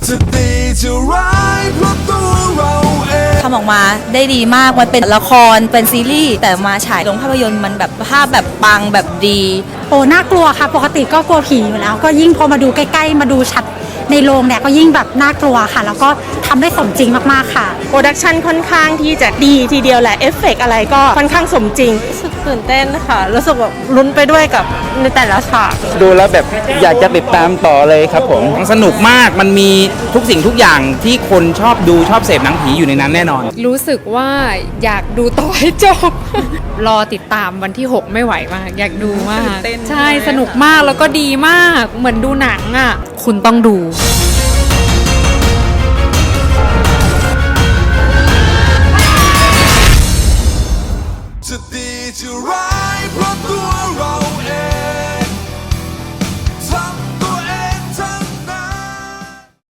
จะดีจะร้ายเพราะตัวเราเองทำออกมาได้ดีมากมันเป็นละครเป็นซีรีส์แต่มาฉายลงภาพยนตร์มันแบบภาพแบบปังแบบดีโอ้น่ากลัวค่ะปกติก็กลัวผีอยู่แล้วก็ยิ่งพอมาดูใกล้ๆมาดูชัดในโรงเนี่ยก็ยิ่งแบบน่ากลัวค่ะแล้วก็ทำได้สมจริงมากๆค่ะโปรดักชันค่อนข้างที่จะดีทีเดียวแหละเอฟเฟกอะไรก็ค่อนข้างสมจริงรู้สึกตื่นเต้นค่ะรู้สึกแบบลุ้นไปด้วยกับในแต่ละฉากดูแล้วแบบอยากจะติดตามต่อเลยครับผมสนุกมากมันมีทุกสิ่งทุกอย่างที่คนชอบดูชอบเสพหนังผีอยู่ในนั้นแน่นอนรู้สึกว่าอยากดูต่อให้จบ รอติดตามวันที่ 6 ไม่ไหวมาก อยากดูมาก ใช่สนุกมากแล้วก็ดีมากเหมือนดูหนังอ่ะ คุณต้องดูจะดีจะร้ายเพราะตัวเราเอง